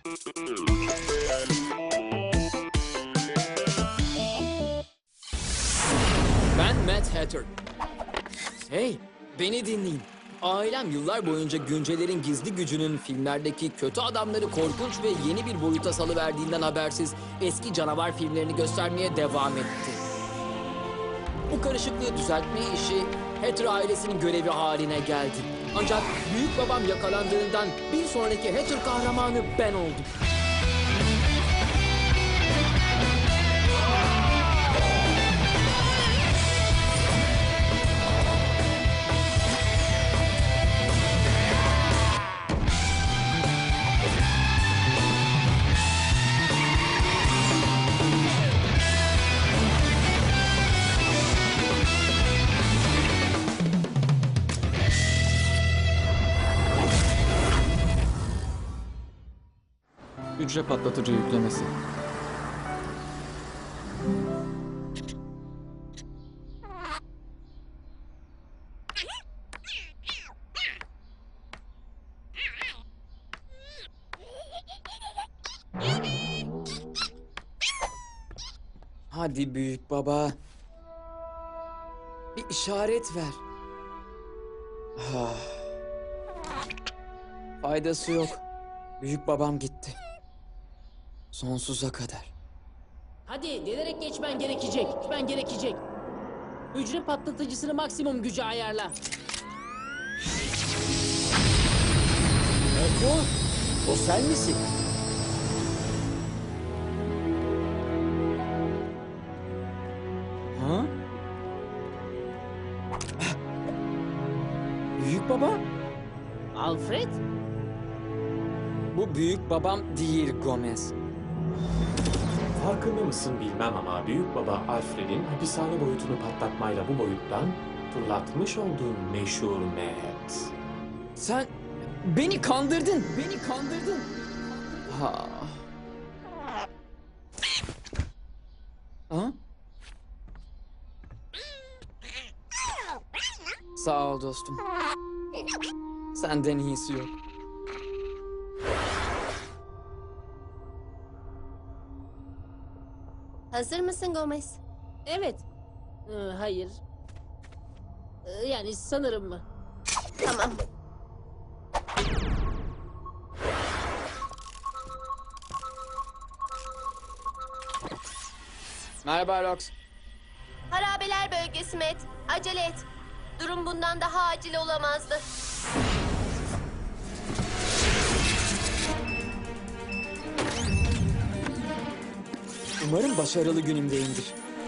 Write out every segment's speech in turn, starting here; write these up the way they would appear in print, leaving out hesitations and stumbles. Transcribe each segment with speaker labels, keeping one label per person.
Speaker 1: Ben Mad Hatter. Hey, beni dinleyin. Ailem yıllar boyunca Güncelerin gizli gücünün filmlerdeki kötü adamları korkunç ve yeni bir boyuta salıverdiğinden habersiz eski canavar filmlerini göstermeye devam etti. Bu karışıklığı düzeltme işi Hatter ailesinin görevi haline geldi. Ancak büyük babam yakalandığından bir sonraki Hatter kahramanı ben oldum.
Speaker 2: Hücre patlatıcı yüklemesi.
Speaker 1: Hadi büyük baba. Bir işaret ver. Ah. Faydası yok. Büyük babam gitti. Sonsuza kadar.
Speaker 3: Hadi delerek geçmen gerekecek. Geçmen gerekecek. Hücre patlatıcısını maksimum güce ayarla.
Speaker 1: O sen misin? Ha? Büyük baba?
Speaker 3: Alfred?
Speaker 1: Bu büyük babam değil Gomez.
Speaker 4: Farkında mısın bilmem ama büyük baba Alfred'in hapishane boyutunu patlatmayla bu boyuttan fırlatmış olduğun meşhur Matt.
Speaker 1: Sen beni kandırdın. Beni kandırdın. Ha. Ha? Sağ ol dostum. Senden iyisi yok.
Speaker 5: Hazır mısın Gomez?
Speaker 3: Evet. Hayır. Yani sanırım mı?
Speaker 5: Tamam.
Speaker 1: Merhaba Rox.
Speaker 5: Harabeler bölgesi Matt. Acele et. Durum bundan daha acil olamazdı.
Speaker 1: Umarım başarılı günümdeyimdir.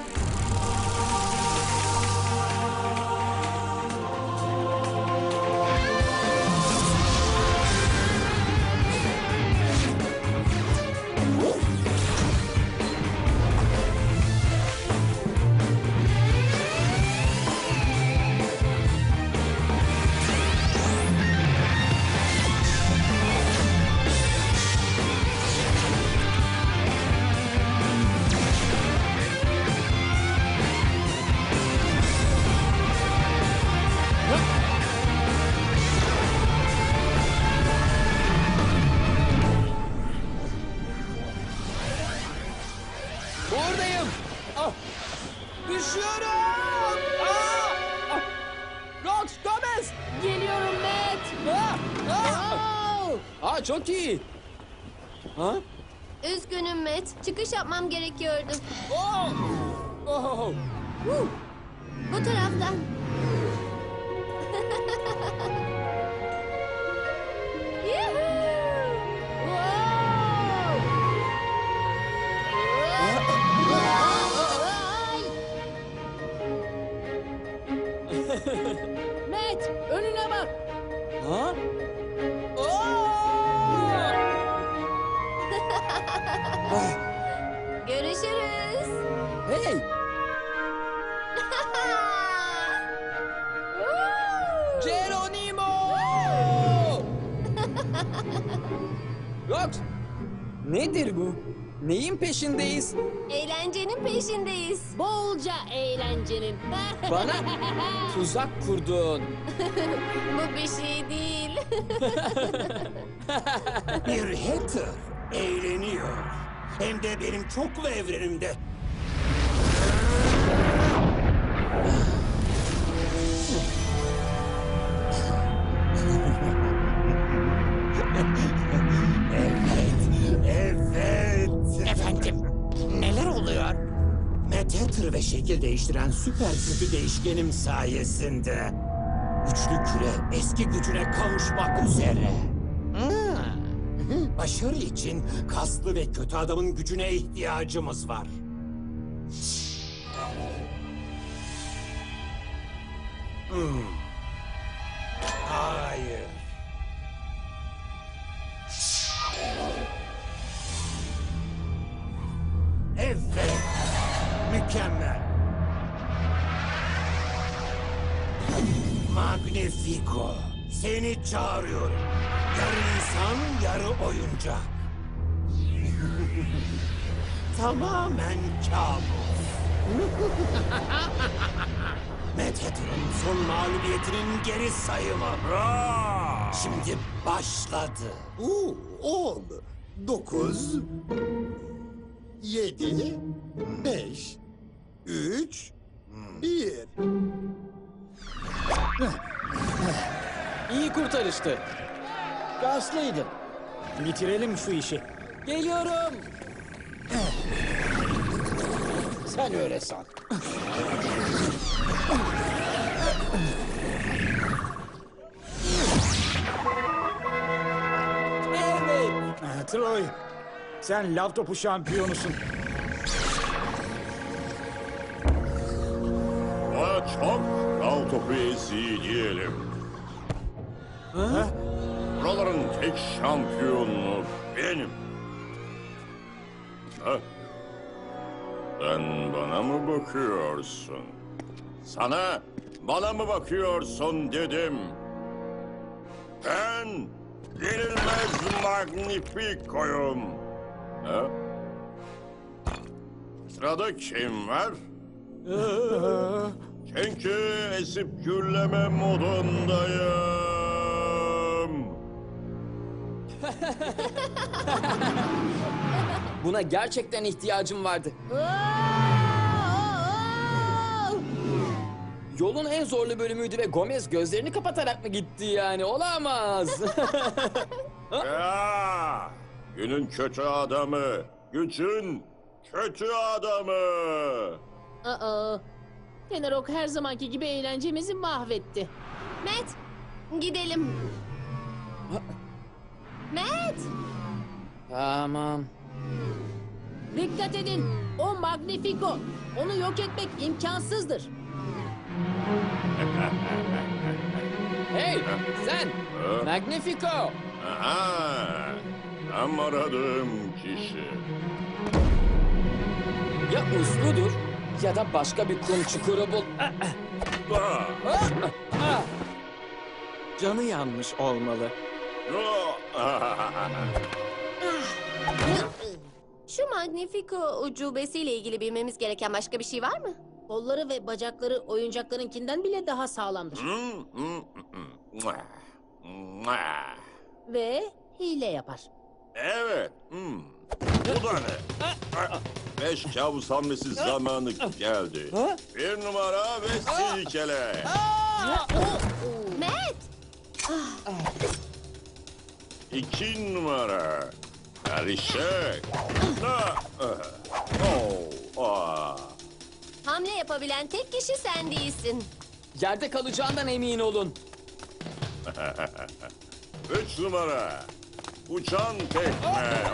Speaker 1: Buradayım. Ah! Düşüyorum. Ah! Ah! Rox, Gomez.
Speaker 3: Geliyorum Matt.
Speaker 1: Ah! Ah!
Speaker 3: Oh!
Speaker 1: Çok iyi. Ha?
Speaker 5: Üzgünüm Matt. Çıkış yapmam gerekiyordu.
Speaker 1: Oh! Oh!
Speaker 5: Bu taraftan. Yuhuu!
Speaker 3: Matt, önüne bak.
Speaker 1: Ha? Oh! Ah!
Speaker 5: Görüşürüz.
Speaker 1: Hey! Geronimo! Rox! Nedir bu? Neyin peşindeyiz?
Speaker 5: Eğlencenin peşindeyiz.
Speaker 3: Bolca eğlencenin.
Speaker 1: Bana tuzak kurdun.
Speaker 5: Bu bir şey değil.
Speaker 6: Bir hacker Hem de benim çoklu evrenimde. Evet.
Speaker 7: Efendim, neler oluyor?
Speaker 6: Mad Hatter ve şekil değiştiren süper gücü değişkenim sayesinde güçlü küre eski gücüne kavuşmak üzere. Başarı için kaslı ve kötü adamın gücüne ihtiyacımız var. Hayır. Evet. Mükemmel. Magnifico. Seni çağırıyorum. Yarı insan, yarı oyuncak. Tamamen kabus. Mad Hatter'ın son mağlubiyetinin geri sayımı. Şimdi başladı.
Speaker 8: 10, 9, 7, 5, 3, 1.
Speaker 2: İyi kurtarıştı.
Speaker 7: Gazlıydın. Bitirelim şu işi.
Speaker 3: Geliyorum.
Speaker 7: Sen öyle san.
Speaker 3: Evet.
Speaker 7: Troy, sen lav topu şampiyonusun.
Speaker 9: Bana çok lav topu eziği diyelim. Buraların tek şampiyonu benim. Ha? Sen bana mı bakıyorsun? Bana mı bakıyorsun dedim. Ben yenilmez Magnifico'yum. Ha? Sırada kim var? Çünkü esip gürleme modundayım.
Speaker 1: Buna gerçekten ihtiyacım vardı. Yolun en zorlu bölümüydü ve Gomez gözlerini kapatarak mı gitti yani? Olamaz.
Speaker 9: Ya, günün kötü adamı, gücün kötü adamı.
Speaker 3: Aa. Tenarok her zamanki gibi eğlencemizi mahvetti.
Speaker 5: Matt, gidelim. Matt,
Speaker 1: Tamam.
Speaker 3: Dikkat edin. O Magnifico. Onu yok etmek imkansızdır.
Speaker 1: Hey sen! Magnifico!
Speaker 9: Aha, tam aradığım kişi.
Speaker 1: Ya usludur ya da başka bir kum çukuru bul.
Speaker 2: Canı yanmış olmalı.
Speaker 5: şu Magnifico ucubesiyle ilgili bilmemiz gereken başka bir şey var mı?
Speaker 3: Kolları ve bacakları oyuncaklarınkinden bile daha sağlamdır. Ve hile yapar.
Speaker 9: Evet. Bu da ne? Beş kabus hamlesi zamanı geldi. Bir numara ve silkele.
Speaker 5: Matt,
Speaker 9: 2 numara. Karışık.
Speaker 5: hamle yapabilen tek kişi sen değilsin.
Speaker 1: Yerde kalacağından emin olun.
Speaker 9: 3 numara. Uçan tekme.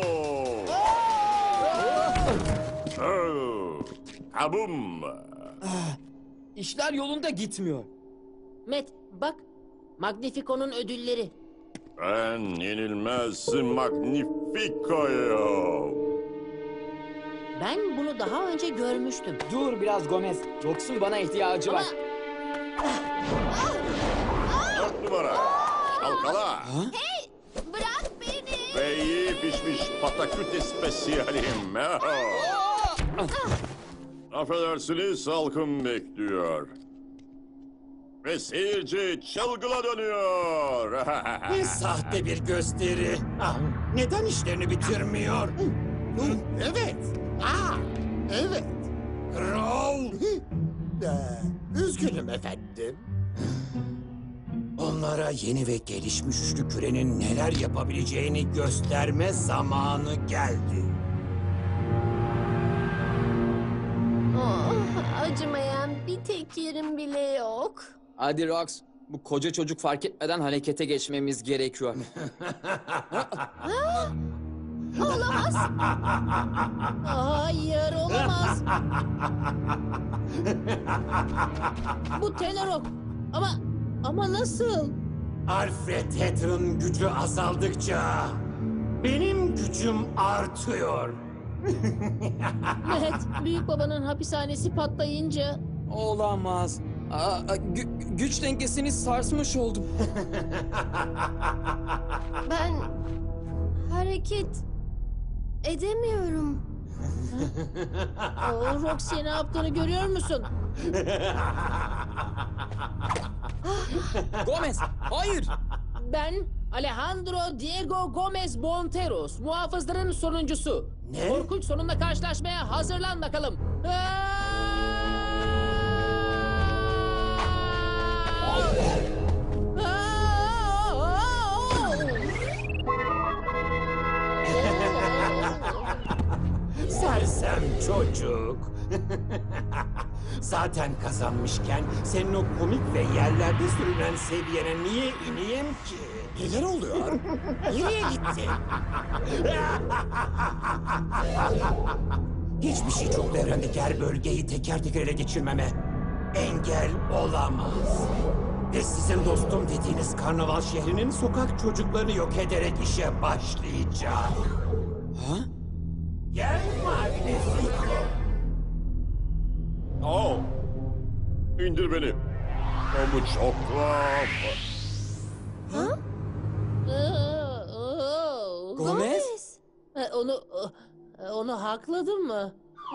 Speaker 9: Kabum.
Speaker 1: İşler yolunda gitmiyor.
Speaker 3: Matt bak. Magnifico'nun ödülleri.
Speaker 9: Ben yenilmez Magnifico'yum.
Speaker 3: Ben bunu daha önce görmüştüm.
Speaker 1: Dur biraz Gomez. Yoksul bana ihtiyacı var.
Speaker 9: 4 numara. Çalkala.
Speaker 5: Bırak beni.
Speaker 9: Ve iyi pişmiş pataküte spesiyalim. Affedersiniz, halkım bekliyor. Ve seyirci çılgına dönüyor.
Speaker 6: Ne sahte bir gösteri. Neden işlerini bitirmiyor?
Speaker 8: Evet. Evet.
Speaker 6: Raul!
Speaker 8: Üzgünüm efendim.
Speaker 6: Onlara yeni ve gelişmiş üçlü kürenin neler yapabileceğini gösterme zamanı geldi.
Speaker 5: Oh, acımayan bir tek yerim bile yok.
Speaker 1: Hadi Rox, bu koca çocuk fark etmeden harekete geçmemiz gerekiyor.
Speaker 5: Olamaz.
Speaker 3: Hayır olamaz. Bu Telerok. Ama nasıl?
Speaker 6: Alfred Hatter'ın gücü azaldıkça benim gücüm artıyor.
Speaker 3: Evet, büyük babanın hapishanesi patlayınca
Speaker 1: Olamaz. Güç dengesini sarsmış oldum.
Speaker 5: Ben hareket edemiyorum.
Speaker 3: o Roxy ne yaptığını görüyor musun?
Speaker 1: Gomez, hayır.
Speaker 3: Ben Alejandro Diego Gomez Bonteros, muhafızların sonuncusu.
Speaker 6: Ne?
Speaker 3: Korkunç sonunda karşılaşmaya hazırlan bakalım.
Speaker 6: Sersem çocuk. Zaten kazanmışken senin o komik ve yerlerde sürünen seviyene niye ineyim ki?
Speaker 8: Neler oluyor?
Speaker 6: Nereye gitti? Hiçbir şey çok evrendeki her bölgeyi teker teker ele geçirmeme engel olamaz. Ve sizin dostum dediğiniz karnaval şehrinin sokak çocuklarını yok ederek işe başlayacak.
Speaker 1: Ha?
Speaker 6: Gel Magnifico.
Speaker 9: Oh. İndir beni. O bu çok tuhaf.
Speaker 1: Gomez?
Speaker 3: Onu hakladım mı?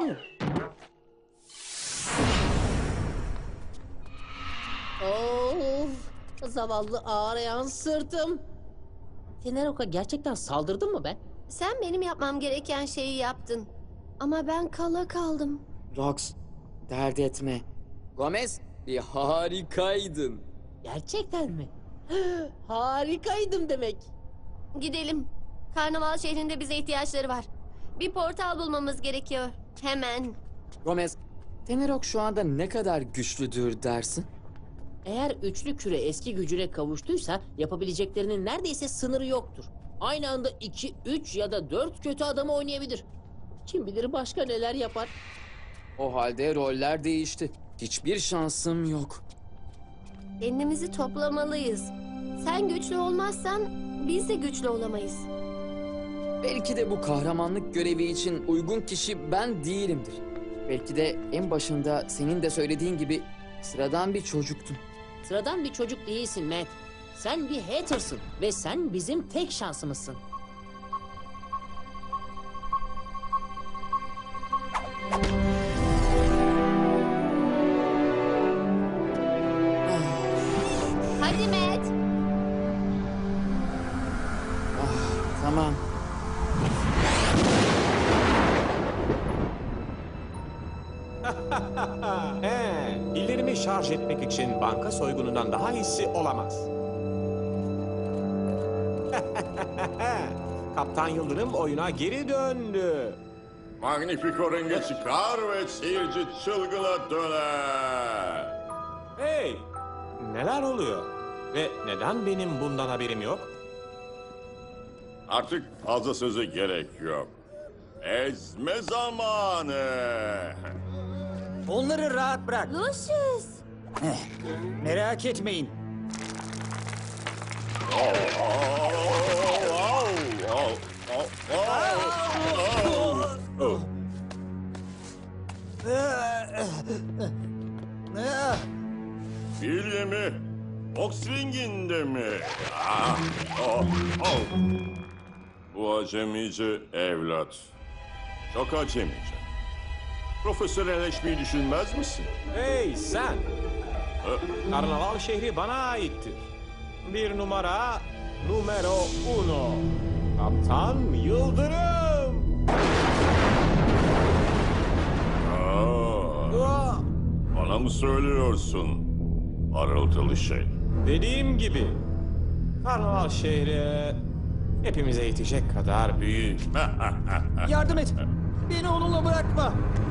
Speaker 3: Zavallı ağrıyan sırtım. Tenerok'a gerçekten saldırdın mı be?
Speaker 5: Sen benim yapmam gereken şeyi yaptın. Ama ben kala kaldım.
Speaker 1: Rox, dert etme. Gomez, bir harikaydın.
Speaker 3: Gerçekten mi? Harikaydım demek.
Speaker 5: Gidelim. Karnaval şehrinde bize ihtiyaçları var. Bir portal bulmamız gerekiyor. Hemen.
Speaker 1: Gomez, Tenerok şu anda ne kadar güçlüdür dersin?
Speaker 3: Eğer üçlü küre eski gücüne kavuştuysa yapabileceklerinin neredeyse sınırı yoktur. Aynı anda 2, 3 ya da 4 kötü adamı oynayabilir. Kim bilir başka neler yapar.
Speaker 1: O halde roller değişti. Hiçbir şansım yok.
Speaker 5: Kendimizi toplamalıyız. Sen güçlü olmazsan biz de güçlü olamayız.
Speaker 1: Belki de bu kahramanlık görevi için uygun kişi ben değilimdir. Belki de en başında senin de söylediğin gibi sıradan bir çocuktum.
Speaker 3: Sıradan bir çocuk değilsin Matt. Sen bir hatersın ve sen bizim tek şansımızsın.
Speaker 5: Hadi Matt.
Speaker 1: Tamam.
Speaker 4: Pillerimi şarj etmek için banka soygunundan daha iyisi olamaz. Kaptan Yıldırım oyuna geri döndü.
Speaker 9: Magnifico ringe çıkar ve seyirci çılgına döner.
Speaker 4: Hey! Neler oluyor? Ve neden benim bundan haberim yok?
Speaker 9: Artık fazla sözü gerek yok. Ezme zamanı.
Speaker 7: Onları rahat bırak.
Speaker 5: Lucius.
Speaker 7: Merak etmeyin.
Speaker 9: Bilye mi? Oxring'inde mi? Bu acemice evlat. Çok acemice. Profesyonelleşmeyi düşünmez misin?
Speaker 4: Hey sen! Karnaval şehri bana aittir. Bir numero uno. Kaptan Yıldırım!
Speaker 9: mı söylüyorsun? Parıltılı şey.
Speaker 4: Dediğim gibi, Karnaval şehri hepimize yetecek kadar büyük.
Speaker 7: Yardım et. Beni onunla bırakma.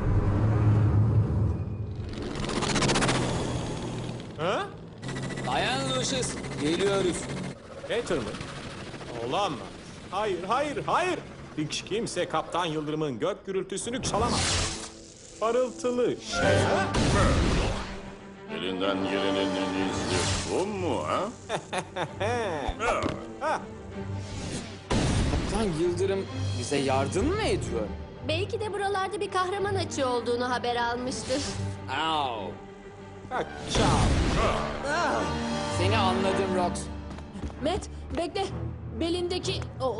Speaker 4: Ha?
Speaker 1: Dayan Lucius, geliyoruz.
Speaker 4: Hater mı? Olamaz. Hayır, hayır, hayır. Hiç kimse Kaptan Yıldırım'ın gök gürültüsünü çalamaz. Parıltılı şey. Ha?
Speaker 9: Elinden gelenin en iyisi bu mu ha?
Speaker 1: Kaptan Yıldırım bize yardım mı ediyor?
Speaker 5: Belki de buralarda bir kahraman açığı olduğunu haber almıştır.
Speaker 1: Au.
Speaker 4: Bak, çal.
Speaker 1: Seni anladım Rox.
Speaker 3: Matt, bekle. Belindeki...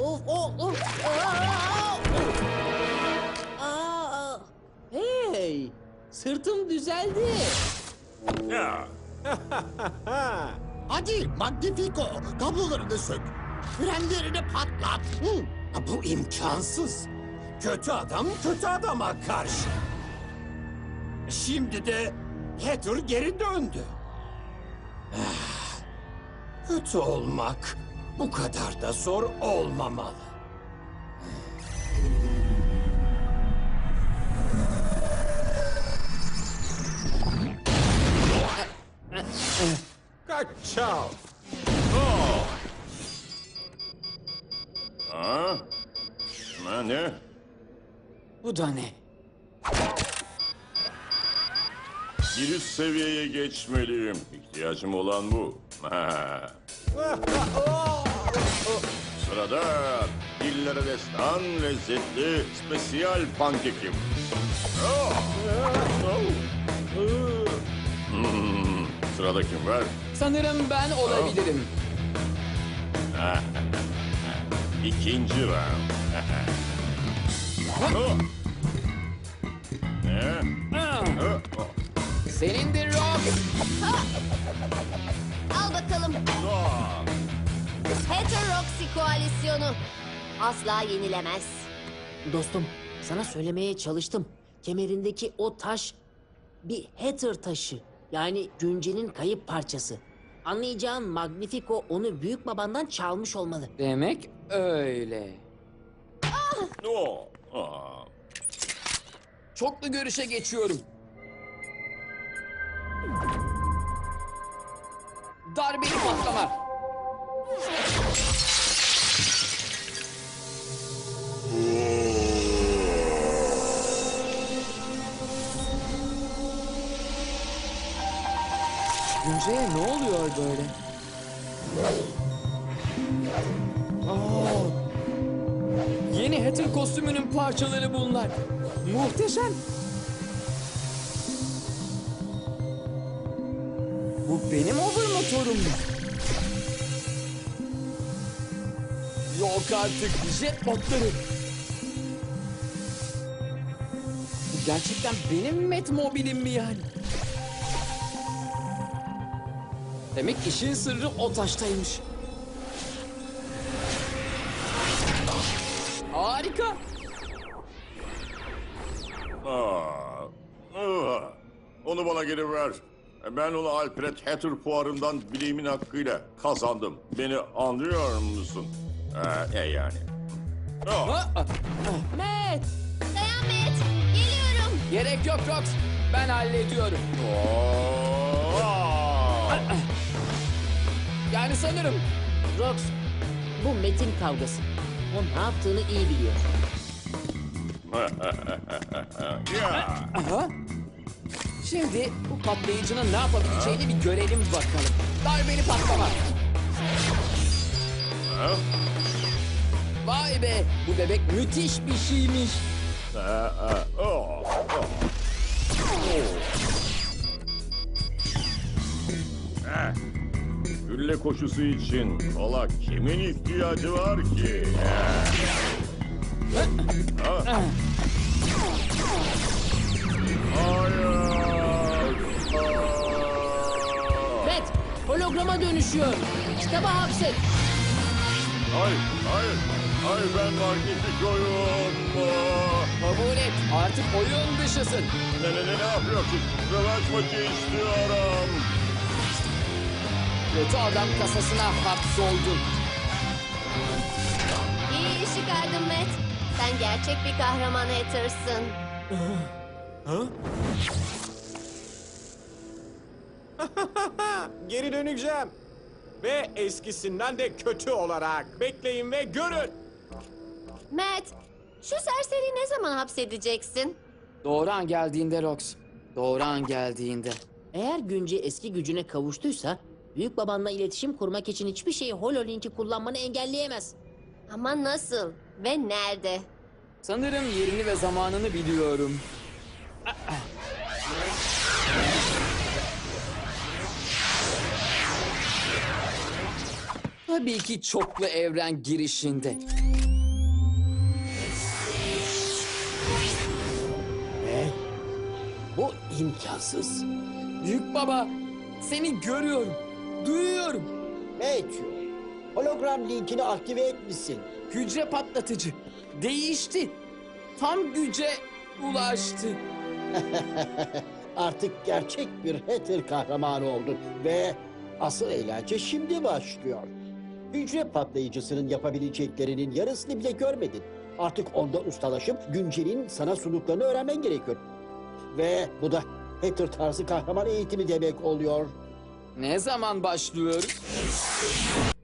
Speaker 3: Aa! Hey! Sırtım düzeldi.
Speaker 9: Ya.
Speaker 8: Hadi Magnifico, kablolarını sök. Frenlerini patlat. Hı.
Speaker 6: Bu imkansız. Kötü adam kötü adama karşı. Şimdi de Hatter geri döndü. Kötü olmak bu kadar da zor olmamalı.
Speaker 4: Kaç, çal.
Speaker 9: Ha? Ne?
Speaker 1: Bu da ne?
Speaker 9: Bir üst seviyeye geçmeliyim. İhtiyacım olan bu. Sırada dillere destan lezzetli spesiyal pankekim. Sırada kim var?
Speaker 1: Sanırım ben olabilirim.
Speaker 9: İkinci round. Ne?
Speaker 1: Senindir Rox.
Speaker 5: Al bakalım. Heteroxy koalisyonu. Asla yenilemez.
Speaker 3: Dostum, sana söylemeye çalıştım. Kemerindeki o taş bir Hatter taşı. Yani Günce'nin kayıp parçası. Anlayacağın Magnifico onu büyük babandan çalmış olmalı.
Speaker 1: Demek öyle. Çoklu görüşe geçiyorum. Darbeli patlama. Günce'ye ne oluyor böyle? Yeni Hatter kostümünün parçaları bunlar. Muhteşem. Bu benim over motorum. Yok artık, jet botları. Bu gerçekten benim Metmobilim mi yani? Demek işin sırrı o taştaymış. Harika.
Speaker 9: Onu bana geri ver. Ben onu Alfred Hatter fuarından bileğimin hakkıyla kazandım. Beni anlıyor musun? Yani.
Speaker 3: Matt!
Speaker 5: Dayan Matt. Geliyorum.
Speaker 1: Gerek yok Rox. Ben hallediyorum. Yani sanırım.
Speaker 3: Rox, bu Matt'in kavgası. O ne yaptığını iyi biliyor.
Speaker 1: Aha. Şimdi bu patlayıcının ne yapabileceğini bir görelim bakalım. Darbeli patlama. Vay be, bu bebek müthiş bir şeymiş.
Speaker 9: Gülle koşusu için kola kimin ihtiyacı var ki?
Speaker 3: Matt, holograma dönüşüyor. Kitaba hapset.
Speaker 9: Hayır, ben Magnifico'yum.
Speaker 1: Kabul et, Artık oyun dışısın.
Speaker 9: Ne yapıyorsun? Rövanş maçı istiyorum.
Speaker 1: Kötü adam kasasına hapsoldun.
Speaker 5: İyi iş çıkardın Matt. Sen gerçek bir kahraman Hatter'sın.
Speaker 4: Geri döneceğim. Ve eskisinden de kötü olarak. Bekleyin ve görün.
Speaker 5: Matt, şu serseriyi ne zaman hapsedeceksin?
Speaker 1: Doğru an geldiğinde Rox. Doğru an geldiğinde.
Speaker 3: Eğer Günce eski gücüne kavuştuysa, büyük babanla iletişim kurmak için hiçbir şeyi HoloLink'i kullanmanı engelleyemez.
Speaker 5: Ama nasıl ve nerede?
Speaker 1: Sanırım yerini ve zamanını biliyorum. Tabii ki çoklu evren girişinde.
Speaker 8: Bu imkansız.
Speaker 1: Büyük baba, seni görüyorum, duyuyorum.
Speaker 8: Matthew, hologram linkini aktive etmişsin.
Speaker 1: Hücre patlatıcı. Değişti. Tam güce ulaştı.
Speaker 8: Artık gerçek bir Hatter kahramanı oldun ve asıl eğlence şimdi başlıyor. Hücre patlayıcısının yapabileceklerinin yarısını bile görmedin. Artık onda ustalaşıp Güncel'in sana sunduklarını öğrenmen gerekiyor. Ve bu da Hatter tarzı kahraman eğitimi demek oluyor.
Speaker 1: Ne zaman başlıyoruz?